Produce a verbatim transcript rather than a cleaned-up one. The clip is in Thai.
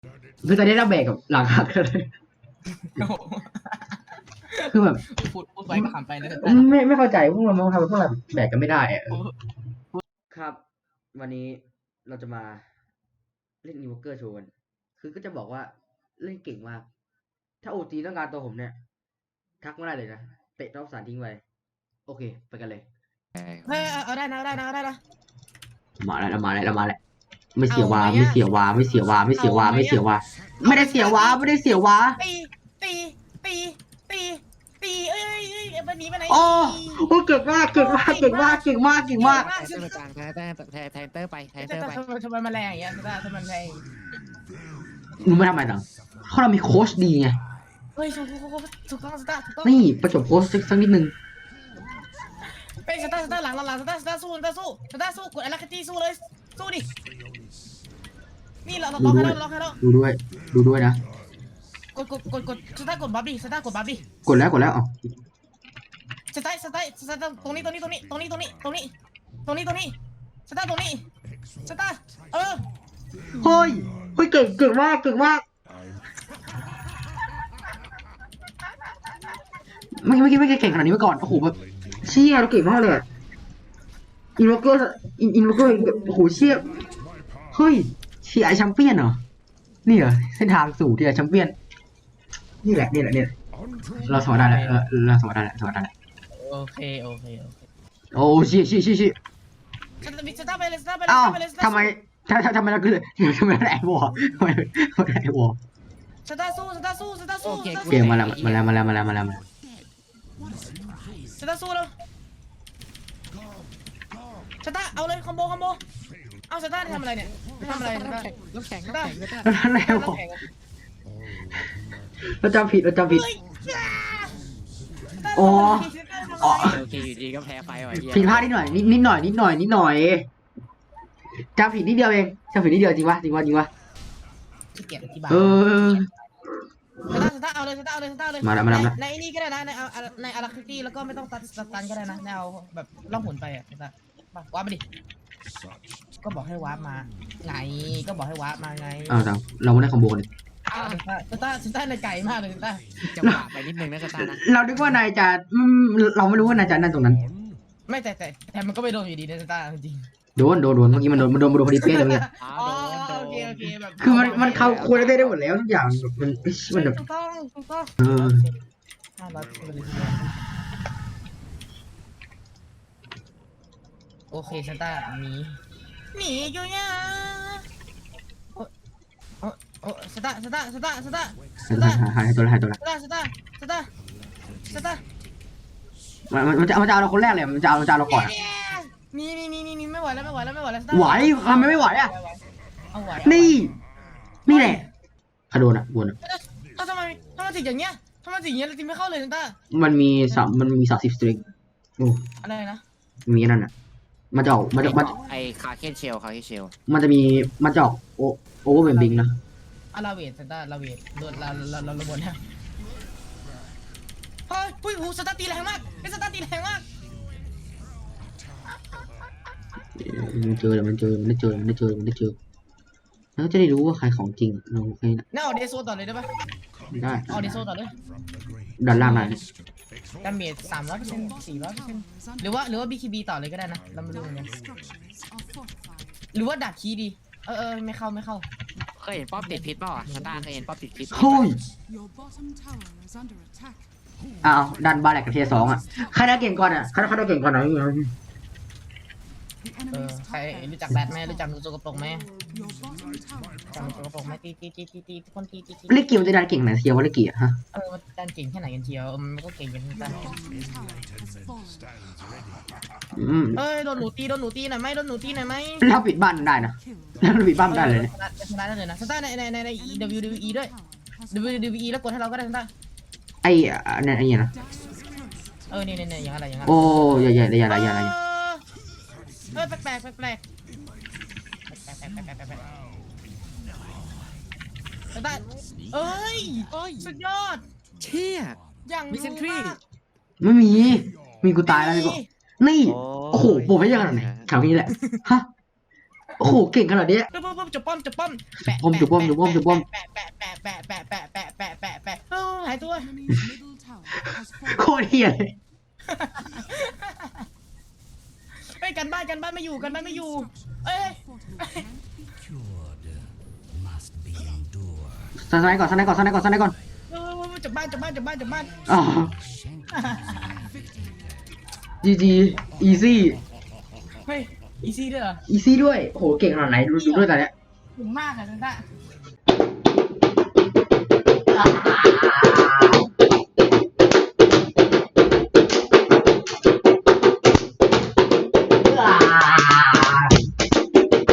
คือตอนนี้เราแบกกับหลังหักเลยคือแบบพูดพูดไปก็ขำไปนะไม่ไม่เข้าใจพวกเราทำไมพวกเราแบกกันไม่ได้อะครับ วันนี้เราจะมาเล่นนิวเกอร์โชว์กันคือก็จะบอกว่าเล่นเก่งมาก ถ้าโอจีต้องการตัวผมเนี่ย ทักมาได้เลยนะเตะรอบสารทิ้งไว้โอเค ไปกันเลยเฮ้ยเอาได้นะเอาได้นะเอาได้นะมาแล้วมาแล้วมาแล้วไม่เสียวาไม่เสียวาไม่เสียวาไม่เสียวาไม่เสียวาไม่ได้เสียวาไม่ได้เสียวาตีตีตีตีตีเอ้ยเอ้ยวันนี้ไปไหนโอ้โหเก่งมากเก่งมากเก่งมากเก่งมากเก่งมากแทนเตอร์กลางแทนเตอร์แทนแทนเตอร์ไปแทนเตอร์ไปทำไมทำไมมาแรงอย่างเงี้ยทำไมแรงมึงไม่ทำอะไรต่างเพราะเรามีโค้ชดีไงเฮ้ยถูกถูกถูกต้องสตาร์ถูกต้องนี่ประจบโค้ชสักนิดนึงเป็นสตาร์สตาร์หลังหลังสตาร์สตาร์สู้สตาร์สู้สตาร์สู้กดไอ้ลักกี้สู้เลยสู้ดินี่เราล็อกให้เราล็อกให้เราดูด้วยดูด้วยนะกดกดกดกดสตาร์กดบัฟดิสตาร์กดบัฟดิกดแล้วกดแล้วอ๋อสตาร์สตาร์สตาร์ตรงนี้ตรงนี้ตรงนี้ตรงนี้ตรงนี้ตรงนี้ตรงนี้ตรงนี้สตาร์ตรงนี้สตาร์เออเฮ้ยเฮ้ยเก่งเก่งมากเก่งมากไม่ไม่คิดไม่เก่งขนาดนี้มาก่อนโอ้โหแบบเชี่ยเราเก่งมากเลยอินวอร์เกอร์อินอินวอร์เกอร์โอ้โหเชี่ยเฮ้ยเชียร์แชมเปี้ยนเหรอนี่เหรอเส้นทางสู่ที่แชมเปี้ยนนี่แหละนี่แหละนี่เราสมัครได้แล้วเราสมัครได้แล้วสมัครได้แล้วโอเคโอเคโอเคโอ้เชี่ยเชี่ยเชี่ยเชี่ยสตาร์ไปเลยสตาร์ไปเลยอ้าวทำไมทำทำไมเราคือทำไมเราแอบวอทำไมเราแอบวอสตาร์สู้สตาร์สู้สตาร์สู้เกมมาแล้วมาแล้วมาแล้วมาแล้วมาแล้วสตาร์สู้แล้วสตาร์เอาเลยคอมโบคอมโบเอาสตาร์ทำอะไรเนี่ยทำอะไรสตาร์น้ำแข็งน้ำแข็งน้ำแข็งอะไรวะเราจำผิดเราจำผิดอ๋ออ๋อโอเคอยู่ดีก็แพ้ไฟว่ะผิดพลาดนิดหน่อยนิดนิดหน่อยนิดหน่อยนิดหน่อยจำผิดนิดเดียวเองจำผิดนิดเดียวจริงวะจริงวะจริงวะเออสตาร์สตาร์เอาเลยสตาร์เอาเลยสตาร์เลยมาแล้วมาแล้วในนี่ก็ได้นะในในอาราคิตี้แล้วก็ไม่ต้องตัดตันก็ได้นะแนวแบบล่องหนไปอ่ะสตาร์วาร์ปมาดิก็บอกให้วาร์ปมาไงก็บอกให้วาร์ปมาไงอ้าวเราไม่ได้คอมโบเลยสตาร์สตาร์ในไก่มากเลยสตาร์จังหวะไปนิดนึงนะสตาร์นะเราคิดว่านายจะเราไม่รู้ว่านายจะนั่นตรงนั้นไม่แต่แต่แต่มันก็ไม่โดนอยู่ดีนะสตาร์จริงโดนโดนโดนเมื่อกี้มันโดนมันโดนมันโดนพอดีเป๊ะเลยเมื่อกี้อ๋อโอเคโอเคแบบคือมันมันเข้าควรได้ได้หมดแล้วทุกอย่างมันมันแบบถูกต้องถูกต้องเออห้าร้อยโอเคสตาร์หนีหนีอยู่เนี่ยโอ้โอ้โอ้สตาร์สตาร์สตาร์สตาร์สตาร์หายตัวละหายตัวละสตาร์สตาร์สตาร์สตาร์มันมันจะมันจะเอาเราคนแรกเลยมันจะเอาเราจะเอาเราก่อนนี่นี่นี่นี่ไม่ไหวแล้วไม่ไหวแล้วไม่ไหวแล้วไหวทำไมไม่ไหวอ่ะนี่นี่แหละขโดนอ่ะวนอ่ะทำไมทำไมถึงอย่างเงี้ยทำไมถึงอย่างเงี้ยเราจริงไม่เข้าเลยสตาร์มันมีสามมันมีสามสิบสตริงโอ้อะไรนะมีนั่นอ่ะมันจะออกมันจะมันไอคาเคนเชลคาเคนเชลมันจะมีมันจะออกโอโอเวอร์เบนบิงนะอาราเวทสตาร์ลาเวทโดนเราเราเราเราบนนะเฮ้ยปุ้ยหูสตาร์ตีแรงมากเป็นสตาร์ตีแรงมากมันเจอมันเจอมันได้เจอมันได้เจอมันได้เจอแล้วจะได้รู้ว่าใครของจริงเราใครนะน่าเอาเดโซต่อเลยได้ปะได้เอาเดโซต่อเลยด้านล่างนั่นดาเมจสามร้อยเปอร์เซ็นต์สี่ร้อยเปอร์เซ็นต์หรือว่าหรือว่าบีคีบีต่อเลยก็ได้นะเราไม่รู้เหมือนกันหรือว่าดับคีดีเออเออไม่เข้าไม่เข้าเคยเห็นป๊อปติดพิษเปล่าอ่ะสตาร์เคยเห็นป๊อปติดพิษเฮ้ยอ้าวดันบาแหลกกับเทียสองอ่ะใครได้เก่งก่อนอ่ะใครใครได้เก่งก่อนไหนเออใครรู้จักแบทไหมรู้จักโจกระปงไหมจำโจกระปงไหมตีตีตีตีตีทุกคนตีตีตีเล่นเกี่ยวจะดันเก่งไหนเทียวว่าเล่นเกี่ยวฮะเออมันดันเก่งแค่ไหนกันเทียวมันก็เก่งกันทั้งนั้นเอ้ยโดนหนูตีโดนหนูตีหน่อยไหมโดนหนูตีหน่อยไหมเราปิดบ้านได้นะเราปิดบ้านได้เลยชนะได้เลยนะสตาร์ในในในใน ดับเบิลยู ดับเบิลยู อี ด้วย ดับเบิลยู ดับเบิลยู อี แล้วกดให้เราก็ได้สตาร์ไอ้เนี่ยไอ้เนี่ยนะเออนี่นี่นี่อย่างอะไรอย่างอะไรโอ้ยใหญ่ใหญ่ใหญ่ใหญ่ใหญ่ใหญ่เออแปลกแปลกแปลกแปลกสตาร์เอ้ยสุดยอดเชี่ยอย่างมีเซนทรีไม่มีมีกูตายแล้วนี่ก็นี่โอ้โหโปรเฟสยังไงถามนี้แหละฮะโอ้โหเก่งขนาดเนี้ยปุ๊บปุ๊บปุ๊บจุบป้อมจุบป้อมแปะป้อมจุบป้อมจุบป้อมจุบป้อมแปะแปะแปะแปะแปะแปะแปะแปะแปะแปะเออหายตัวโคตรเฮียเลยเฮ้ยกันบ้านกันบ้านไม่อยู่กันบ้านไม่อยู่เอ้ยสไนด์ก่อนสไนด์ก่อนสไนด์ก่อนสไนด์ก่อนเออจับบ้านจับบ้านจับบ้านจับบ้านอ๋อจีจีอีซี่เฮ้ยอีซี่ด้วยเหรออีซี่ด้วยโอ้โหเก่งขนาดไหนดูดูด้วยตอนเนี้ยถึงมากอะจังตา